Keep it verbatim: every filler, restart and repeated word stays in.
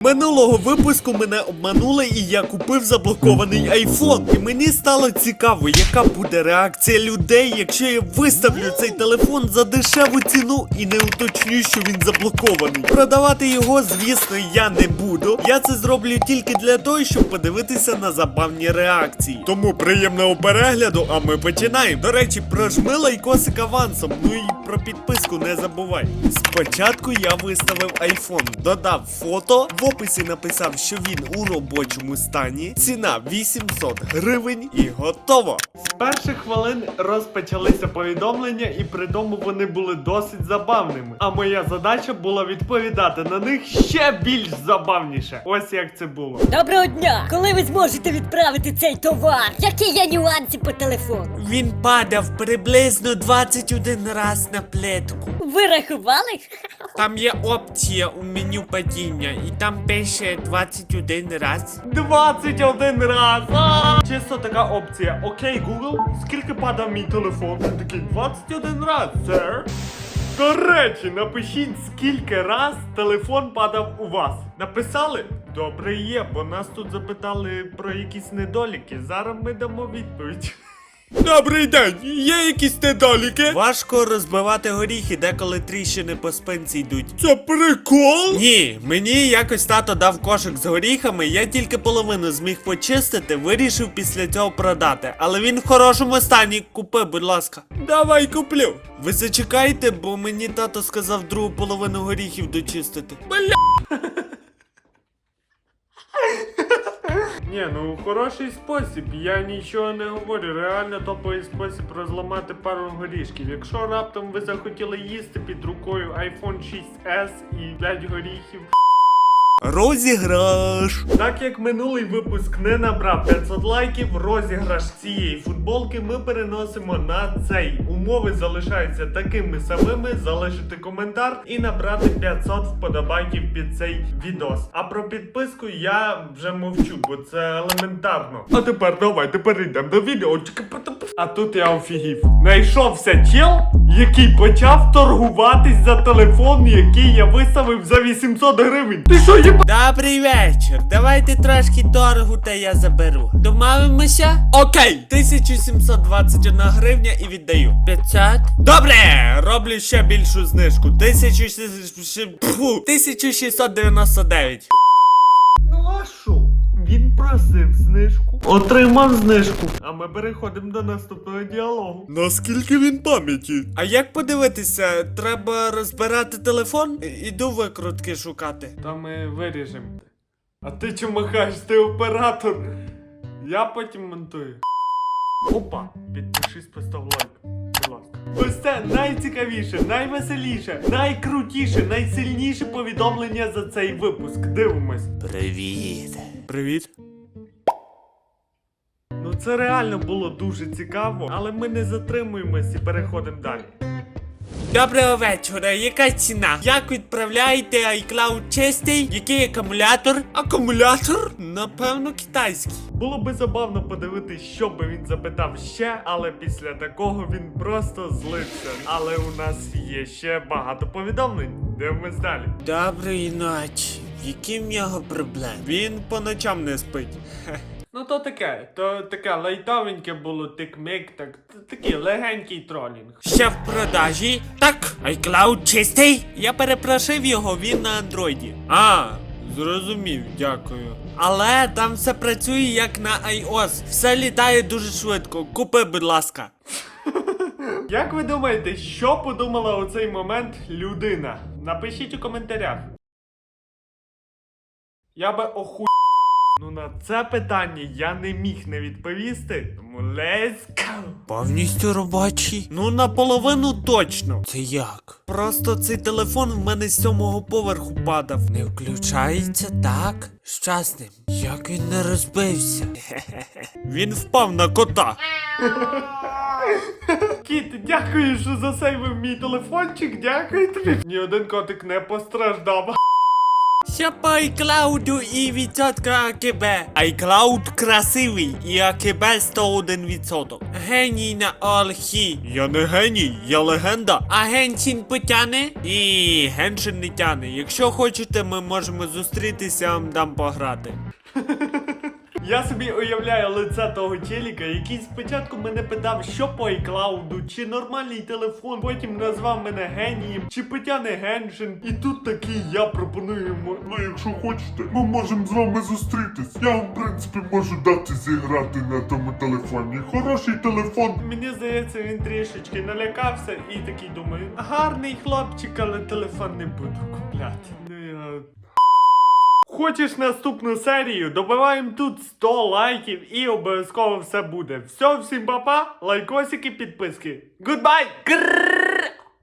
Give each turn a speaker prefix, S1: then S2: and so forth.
S1: Минулого випуску мене обманули і я купив заблокований айфон. І мені стало цікаво, яка буде реакція людей, якщо я виставлю цей телефон за дешеву ціну і не уточню, що він заблокований. Продавати його, звісно, я не буду. Я це зроблю тільки для того, щоб подивитися на забавні реакції. Тому приємного перегляду, а ми починаємо. До речі, прожми лайкосик авансом, ну і про підписку не забувай. Спочатку я виставив айфон, додав фото, в описі написав, що він у робочому стані, ціна вісімсот гривень і готово. З перших хвилин розпочалися повідомлення і при тому вони були досить забавними. А моя задача була відповідати на них ще більш забавніше. Ось як це було.
S2: Доброго дня! Коли ви зможете відправити цей товар? Які є нюанси по телефону?
S1: Він падав приблизно двадцять один раз на плитку.
S2: Ви рахували?
S1: Там є опція у меню падіння, і там пише двадцять один раз. двадцять один раз! А! Чисто така опція. Окей, Google, скільки падав мій телефон? Він такий, двадцять один раз, сер. До речі, напишіть, скільки раз телефон падав у вас. Написали? Добре є, бо нас тут запитали про якісь недоліки. Зараз ми дамо відповідь. Добрий день, є якісь недоліки? Важко розбивати горіхи, деколи тріщини по спинці йдуть. Це прикол? Ні, мені якось тато дав кошик з горіхами, я тільки половину зміг почистити, вирішив після цього продати. Але він в хорошому стані, купи, будь ласка. Давай куплю. Ви зачекайте, бо мені тато сказав другу половину горіхів дочистити. Бля. Ні, ну хороший спосіб, я нічого не говорю, реально топовий спосіб розламати пару горішків. Якщо раптом ви захотіли їсти під рукою айфон шість ес і п'ять горіхів. Розіграш! Так як минулий випуск не набрав п'ятсот лайків, розіграш цієї футболки ми переносимо на цей. Умови залишаються такими самими, залишити коментар і набрати п'ятсот вподобайків під цей відос. А про підписку я вже мовчу, бо це елементарно. А тепер давайте перейдемо до відео. А тут я офігів. Найшовся чел, який почав торгуватись за телефон, який я виставив за вісімсот гривень. Ти що, є? Добрий вечір. Давайте трошки торгу, та я заберу. Домовимося? Окей. тисяча сімсот двадцять одна гривня і віддаю. п'ятсот? Добре, роблю ще більшу знижку. тисяча шістсот дев'яносто дев'ять. Ну а що? Він просив знижку. Отримав знижку. А ми переходимо до наступного діалогу. Наскільки він пам'яті? А як подивитися? Треба розбирати телефон? Іду викрутки шукати. Та ми виріжемо. А ти чому махаєш? Ти оператор. Я потім монтую. Опа, підпишись, постав лайк. Будь ласка. Ось це найцікавіше, найвеселіше, найкрутіше, найсильніше повідомлення за цей випуск. Дивимось. Привіт. Привіт. Ну це реально було дуже цікаво, але ми не затримуємось і переходимо далі. Доброго вечора, яка ціна? Як відправляєте iCloud чистий? Який акумулятор? Акумулятор? Напевно, китайський. Було би забавно подивитись, що би він запитав ще, але після такого він просто злився. Але у нас є ще багато повідомлень. Дивимось далі. Доброї ночі. Які в нього проблеми? Він по ночам не спить. Ну то таке, то таке лайтовеньке було тик-мик, так, такий легенький тролінг. Ще в продажі? Так, iCloud чистий? Я перепрошив його, він на андроїді. А, зрозумів, дякую. Але там все працює як на iOS, все літає дуже швидко, купи, будь ласка. Як ви думаєте, що подумала у цей момент людина? Напишіть у коментарях. Я би оху... Ну на це питання я не міг не відповісти, тому let's go! Повністю робочий? Ну наполовину точно. Це як? Просто цей телефон в мене з сьомого поверху падав. Не включається, так? Що з ним? Як він не розбився? Він впав на кота. Кіт, дякую, що засейвив мій телефончик, дякую тобі. Ні один котик не постраждав. Ще по iCloud і відсотка АКБ. iCloud красивий і АКБ сто один відсоток. Геній на Олхі. Я не геній, я легенда. А Геншин потяне? І Геншин не тяне. Якщо хочете, ми можемо зустрітися, я вам дам пограти. Я собі уявляю лице того челіка, який спочатку мене питав, що по iCloud, чи нормальний телефон, потім назвав мене генієм, чи потяне Геншин. І тут такий я пропоную йому.
S3: Ну, якщо хочете, ми можемо з вами зустрітись. Я вам, в принципі, можу дати зіграти на тому телефоні. Хороший телефон.
S1: Мені здається, він трішечки налякався і такий думає, гарний хлопчик, але телефон не буду купляти. Ну я... Хочеш наступну серію? Добиваємо тут сто лайків і обов'язково все буде. Все, всім па-па, лайкосики, підписки. Goodbye! Грррр!